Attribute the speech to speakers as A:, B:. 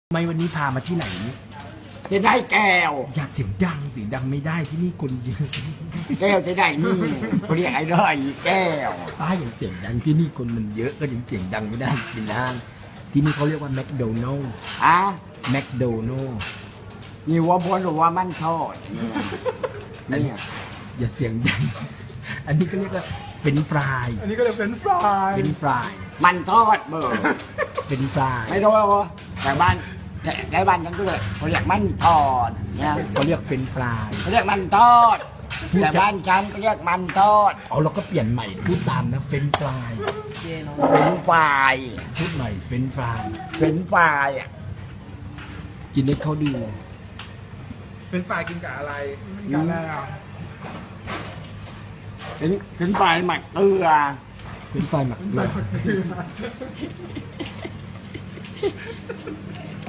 A: ไม่วันนี้พามาที่ไหน
B: จะได้แก้ว
A: อย่าเสียงดังไม่ได้ที่นี่คนเยอะ
B: แก้วจะได้นี่เขาเรียกไอ้ด้อยแก้ว
A: ป้าอย่างเสียงดังที่นี่คนมันเยอะก็ยังเสียงดังไม่ได้กินห้างที่นี่เขาเรียกว่าแมคโดนัลล์
B: อ่ะ
A: แมคโดนัลล์
B: นี่ว่าบนหรือว่ามันทอดเนี่ย
A: อย่าเสียงดัง อันนี้ก็เรียกว่าเป็นฟราย
C: อันนี้ก็เลยเป็นฟราย
A: เป็นฟราย
B: มันทอดเบอร์
A: เป็นฟราย
B: ไม่รู้ว่าแต่บ้านแต่บ้านฉันก็เลยเขาเรียกมันทอดเนี่ย
A: เขาเรียกเป็นฟราย
B: เขาเรียกมันทอดแต่บ้านฉันก็เรียกมันทอด
A: เอาเราก็เปลี่ยนใหม่พูดตามนะเป็นฟราย
B: เป็นฝ่าย
A: พูดใหม่เป็นฟราย
B: เป็นฝ่ายอ่ะ
A: กินให้เขาดู
C: เป็นฟรายกินกับอะไรกินกับอะไรอ่ะ
B: เป็นฝ่ายหมักเกลือ
A: เป็นฟรายหมักเกลือ